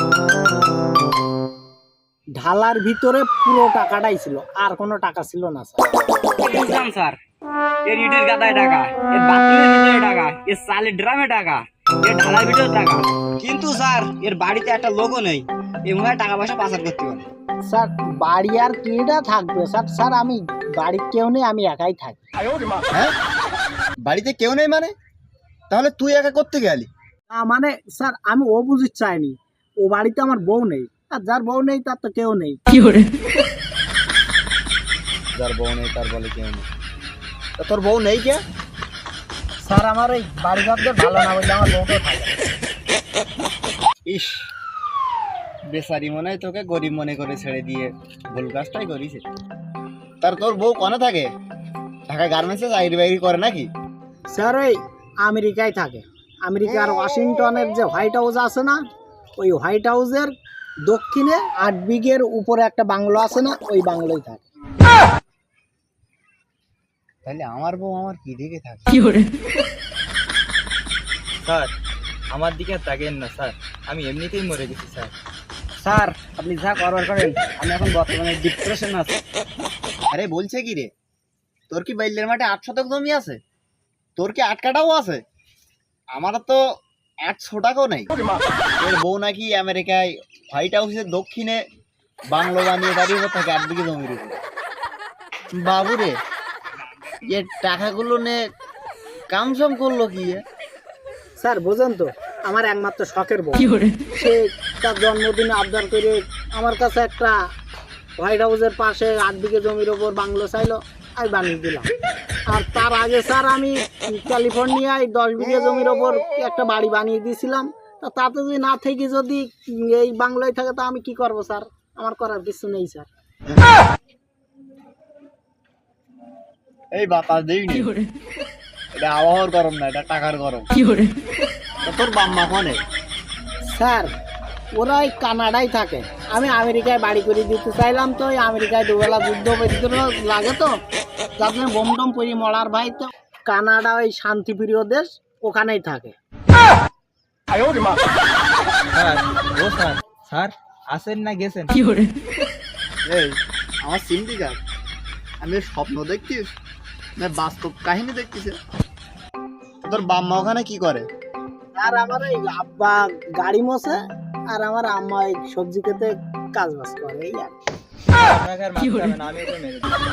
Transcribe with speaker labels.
Speaker 1: ঢালার ভিতরে পুরো টাকাটাই ছিল, আর কোনো টাকা ছিল না স্যার।
Speaker 2: বুঝলাম স্যার, এর ইটের গাদায় টাকা, এর বাথরুমের ভিতরে টাকা, এর চালের ড্রামে টাকা, এর ঢালার ভিতরে টাকা, কিন্তু স্যার এর বাড়িতে একটা লোকও নেই। এই মনে হয় টাকা পয়সা পাচার করতে পারে।
Speaker 1: স্যার বাড়ি আর কিটা থাকবে স্যার? স্যার আমি বাড়ির কেউ নেই, আমি একাই থাকি।
Speaker 3: হ্যাঁ, বাড়িতে কেউ নেই মানে? তাহলে তুই একা করতে গেলি?
Speaker 1: না মানে স্যার আমি ও বুঝতে চাইনি, ও বাড়িতে আমার বউ নেই, আর যার বউ নেই তার তো কেউ নেই।
Speaker 3: যার বউ নেই তার বলে কেউ নেই। তা তোর বউ নেই কে?
Speaker 1: স্যার আমার ওই বাড়ি ঘরদের ভালো না বললে আমার বউকেও থাকে।
Speaker 3: ইস, বেচারি মনে হয় তোকে গরিব মনে করে ছেড়ে দিয়ে ভুল কাজটাই করিস। তার তোর বউ কোনে থাকে? ঢাকা গার্মেন্টসে চাকরি বাকরি করে নাকি?
Speaker 1: স্যার ওই আমেরিকায় থাকে। আমেরিকার ওয়াশিংটনের যে হোয়াইট হাউস আছে না, ওই হোয়াইট হাউসের দক্ষিণে 8 বিঘের উপরে একটা বাংলো আছে না, ওই বাংলোয় থাকে।
Speaker 3: তাহলে আমার বউ আমার কি দিকে থাকে?
Speaker 2: স্যার আমার দিকে তাকেন না স্যার, আমি এমনিতেই মরে গেছি স্যার। স্যার আপনি যা করবার করেন, আমি এখন বর্তমানে ডিপ্রেশন আছি।
Speaker 3: আরে বলছে কি রে, তোর কি বাইলের মাঠে 8 শতক জমি আছে? তোর কি 8 কাঠাও আছে? আমার তো 100 টাকাও নেই। এর বউ নাকি আমেরিকায় হোয়াইট হাউসের দক্ষিণে বাংলো বানিয়ে দাঁড়িয়ে থাকে 8 বিঘে জমির উপরে। বাবুরে, এ টাকাগুলো নে কামসম করলো কি?
Speaker 1: স্যার বোঝেন তো, আমার একমাত্র শখের বউ, সে তার জন্মদিনে আবদার করে আমার কাছে একটা হোয়াইট হাউসের পাশে 8 বিঘে জমির ওপর বাংলো চাইলো, আমি বানিয়ে দিলাম। আর তার আগে স্যার আমি ক্যালিফোর্নিয়ায় 10 বিঘে জমির ওপর একটা বাড়ি বানিয়ে দিয়েছিলাম। তা তাতে যদি না থেকে যদি এই বাংলায় থাকে, তা আমি কি করব স্যার? আমার করার কিছু নেই স্যার।
Speaker 3: এই বাতাস দিইনি, এটা আবহাওয়ার গরম না, এটা টাকার গরম। তা তোর বাম্মা কোনে?
Speaker 1: স্যার ওরা ওই কানাডায় থাকে, আমি আমেরিকায় বাড়ি করে দিতে চাইলাম, তো ওই আমেরিকায় দুবেলা যুদ্ধ লাগে, তো যার জন্য বোম টোম পরি মরার ভাই, তো কানাডা ওই শান্তিপ্রিয় দেশ, ওখানেই থাকে।
Speaker 2: স্যার ও স্যার, স্যার আসেন না গেছেন?
Speaker 3: এই আমার সিন্ডিকেট, আমি স্বপ্ন দেখছিস না বাস্তব কাহিনী দেখছিস? তোর বাম্মা ওখানে কি করে?
Speaker 1: আর আমার ওই আব্বা গাড়ি মোছে, আর আমার আম্মা ওই সবজি খেতে কাজ বাজ করে, এই আর কি।
Speaker 2: আপনাকে আর মারতে হবে না, আমি ওকে মেরে দিই।